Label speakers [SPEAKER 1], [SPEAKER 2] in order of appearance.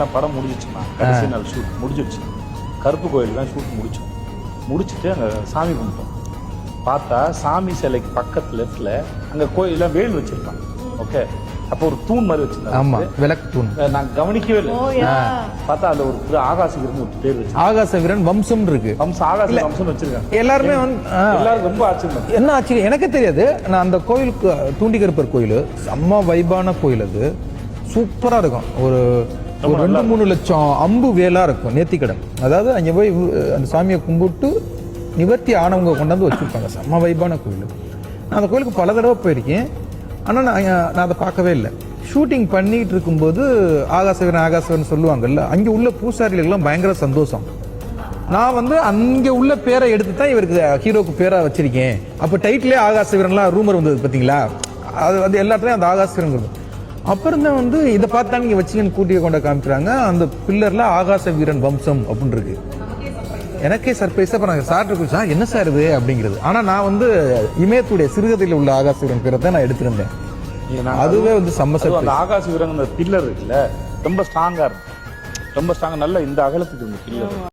[SPEAKER 1] படம் முடிஞ்சிச்சுமா, கடைசி நாள் ஷூட் முடிஞ்சிடுச்சு. கருப்பு கோயில் தான் ஷூட் முடிச்சுட்டு அங்கே சாமி கும்பிட்டோம். பார்த்தா சாமி சிலைக்கு பக்கத்து லெஃப்ட்ல அங்கே கோயிலாம் வேல் வச்சிருப்பான். ஓகே, அப்போ ஒரு தூண் மாதிரி வச்சிருந்தாங்க,
[SPEAKER 2] விளக்கு தூண்.
[SPEAKER 1] நான் கவனிக்கவே இல்லை. பார்த்தா அதுல ஒரு ஆகாச வீரன் ஒரு பேர் வச்சு,
[SPEAKER 2] ஆகாச வீரன் வம்சம் இருக்கு.
[SPEAKER 1] ஆகாச வம்சம் வச்சிருக்காங்க.
[SPEAKER 2] எல்லாருமே
[SPEAKER 1] எல்லாரும் ரொம்ப ஆச்சரியம்.
[SPEAKER 2] என்ன ஆச்சரியம் எனக்கே தெரியாது. நான் அந்த கோயிலுக்கு தூண்டிகருப்பர் கோயில் செம்ம வைபான கோயில், அது சூப்பரா இருக்கும். ஒரு 2-3 லட்சம் அம்பு வேலா இருக்கும் நேர்த்திக்கடன். அதாவது அங்கே போய் அந்த சாமியை கும்பிட்டு நிவர்த்தி ஆனவங்க கொண்டாந்து வச்சிருப்பாங்க. செம்ம வைபான கோயில். நான் அந்த கோயிலுக்கு பல தடவை போயிருக்கேன். ஆனால் நான் அதை பார்க்கவே இல்லை. ஷூட்டிங் பண்ணிட்டு இருக்கும்போது ஆகாசவன் சொல்லுவாங்கல்ல, அங்கே உள்ள பூசாரிகளுக்கெல்லாம் பயங்கர சந்தோஷம். நான் அங்கே உள்ள பேரை எடுத்து தான் இவருக்கு ஹீரோக்கு பேராக வச்சிருக்கேன். அப்போ டைட்டிலே ஆகாசவீரன்லாம் ரூமர் வந்தது பார்த்தீங்களா, அது எல்லாத்துலேயும் அந்த ஆகாசவீரன். அப்புறம் தான் இதை பார்த்தா நீங்கள் வச்சிங்கன்னு கூட்டிய கொண்ட காமிக்கிறாங்க. அந்த பில்லரில் ஆகாச வீரன் வம்சம் அப்படின்னு இருக்கு. எனக்கே சர்ப்ரைஸாக இப்போ நான் சார்ட்டு சார் என்ன சார் இது அப்படிங்கிறது. ஆனால் நான் இமயத்துடைய சிறுகதையில் உள்ள ஆகாச வீரன் பேரை தான் நான் எடுத்திருந்தேன். அதுவே செம்ம சர்ப்ரைஸ்.
[SPEAKER 1] அந்த ஆகாச வீரன் அந்த பில்லர் இருக்குல்ல, ரொம்ப ஸ்ட்ராங்கா இருக்கும், ரொம்ப ஸ்ட்ராங்கா, நல்ல இந்த அகலத்துக்கு இந்த பில்லர்.